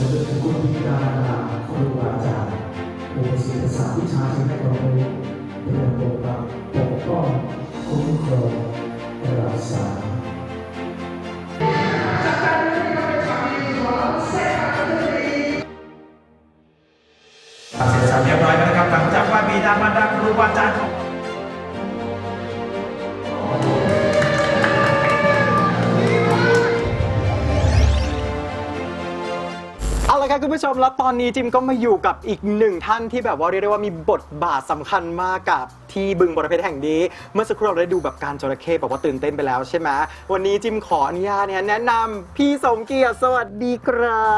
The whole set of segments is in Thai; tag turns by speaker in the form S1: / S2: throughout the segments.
S1: จนถึงคุณพิการครูอาจารย์ผู้ศึกษาวิชาชีวิตความรู้เพื่อปกปักปกป้องคุ้มครองรักษา
S2: เสร็จสับเรียบร้อยแล้วนะครับหลังจากว่าบิดามารดาครูอาจารย์ของ
S3: เอาละครับคุณผู้ชมแล้วตอนนี้จิมก็มาอยู่กับอีกหนึ่งท่านที่แบบว่าเรียกได้ว่ามีบทบาทสำคัญมากกับที่บึงบรเพชรแห่งนี้เมื่อสักครู่เราได้ดูแบบการจระเข้บอกว่าตื่นเต้นไปแล้วใช่ไหมวันนี้จิมขออนุญาตแนะนำพี่สมเกียรติสวัสดีครับ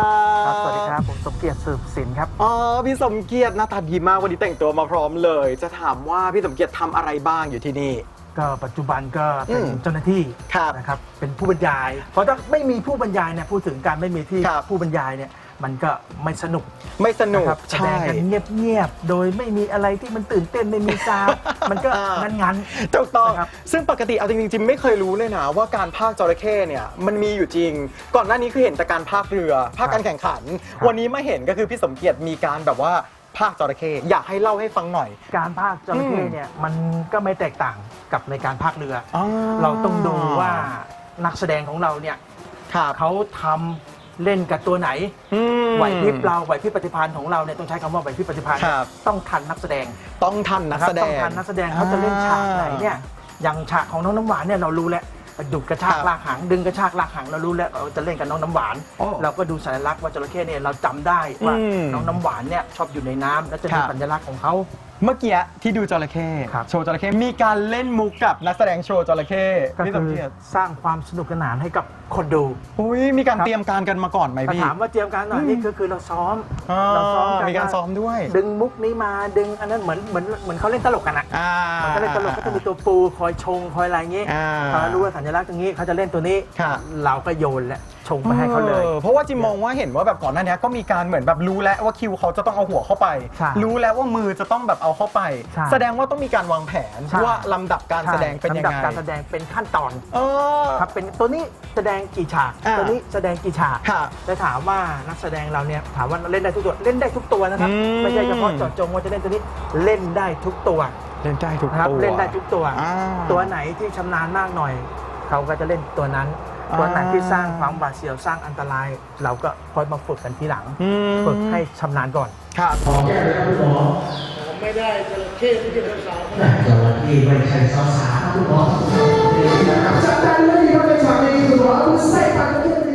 S4: สวัสดีครับผมสมเกียรติสืบสินครับ
S3: อ๋อพี่สมเกียรติหน้าตาดีมากวันนี้แต่งตัวมาพร้อมเลยจะถามว่าพี่สมเกียรติทำอะไรบ้างอยู่ที่นี่
S4: ก็ปัจจุบันก็เป็นเจ้าหน้าที่นะครับเป็นผู้บรรยายเพราะถ้าไม่มีผู้บรรยายเนี่ยพูดถึงการไม่มีที่ผู้บรรยายเนี่ยมันก็ไม่สนุก
S3: ครับ
S4: แสดงกันเงียบๆโดยไม่มีอะไรที่มันตื่นเต้นไม่มีซาวมันก็งั้น
S3: ถูกต้องซึ่งปกติเอาจริงๆจิมไม่เคยรู้เลยนะว่าการพากย์จระเข้เนี่ยมันมีอยู่จริงก่อนหน้านี้คือเห็นแต่การพากย์เรือพากย์การแข่งขันวันนี้มาเห็นก็คือพี่สมเกียรติมีการแบบว่าพากย์จระเข้อยากให้เล่าให้ฟังหน่อย
S4: การพากย์จระเข้เนี่ยมันก็ไม่แตกต่างกับในการพากย์เรือเราต้องดูว่านักแสดงของเราเนี่ยเขาทำเล่นกับตัวไหนไหวพริบเราไหวพริบปฏิภาณของเราเนี่ยต้องใช้คำว่าไหวพริบปฏิภาณต้องทันนักแสดง
S3: ต้องทันนักแสดง
S4: เขาจะเล่นฉากไหนเนี่ยอย่างฉากของน้องน้ำหวานเนี่ยเรารู้แล้วดุกระชากลากหางดึงกระชากลากหางเรารู้แล้วเราจะเล่นกับน้องน้ำหวานเราก็ดูสัญลักษณ์ว่าจระเข้เนี่ยเราจำได้ว่าน้องน้ำหวานเนี่ยชอบอยู่ในน้ำและจะมีสัญลักษณ์ของเขา
S3: เมื่อกี้ที่ดูจระเข้โชว์จระเข้มีการเล่นมุกกับนักแสดงโชว์จระเข้
S4: ก็คือสร้างความสนุกสนานให้กับคนดู
S3: มีการเตรียมการกันมาก่อนไหมพี่
S4: ถามว่าเตรียมการหน่อยนี่คือเราซ้อม
S3: กันมีการซ้อมด้วย
S4: ดึงมุกนี้มาดึงอันนั้นเหมือนเขาเล่นตลกกันอ่ะมันก็เล่นตลกก็จะมีตัวปูคอยชงคอยอะไรอย่างงี้เขารู้ว่าสัญลักษณ์ตรงนี้เขาจะเล่นตัวนี้เราก็โยนแหละชงไปให้เขาเลย
S3: เพราะว่าจิมมองว่าเห็นว่าแบบก่อนหน้านี้ก็มีการเหมือนแบบรู้แล้วว่าคิวเขาจะต้องเอาหัวเข้าไปรู้แล้วว่ามือจะต้องแบบเอาเข้าไปแสดงว่าต้องมีการวางแผนว่าลำดับการแสดงเป็นยังไง
S4: ลำดับการแสดงเป็นขั้นตอนครับเป็นตัวนี้แสดงกี่ฉากตัวนี้แสดงกี่ฉากแต่ถามว่านักแสดงเราเนี่ยถามว่าเล่นได้ทุกตัวเล่นได้ทุกตัวนะครับไม่ใช่เฉพาะเจาะจงว่าจะเล่นตัวนี้เล่นได้ทุกตัว
S3: เล่นได้ทุกตัว
S4: เล่นได้ทุกตัวตัวไหนที่ชำนาญมากหน่อยเขาก็จะเล่นตัวนั้นตัวไหนที่สร้างความหวาดเสียวสร้างอันตรายเราก็ค่อยมาฝึกกันทีหลังฝึกให้ชำนาญก่อน
S3: ครับ
S1: ขอแก้เลยครับคุณหมอ
S4: ผมไม่ได้จระเข้ไม่ใช่สาว
S1: จระเข้ไม่ใช่สาวๆคุณหมอจัดการเลยที่เขาเป็นสามีคุณหมอคุณใส่ปากจระเข้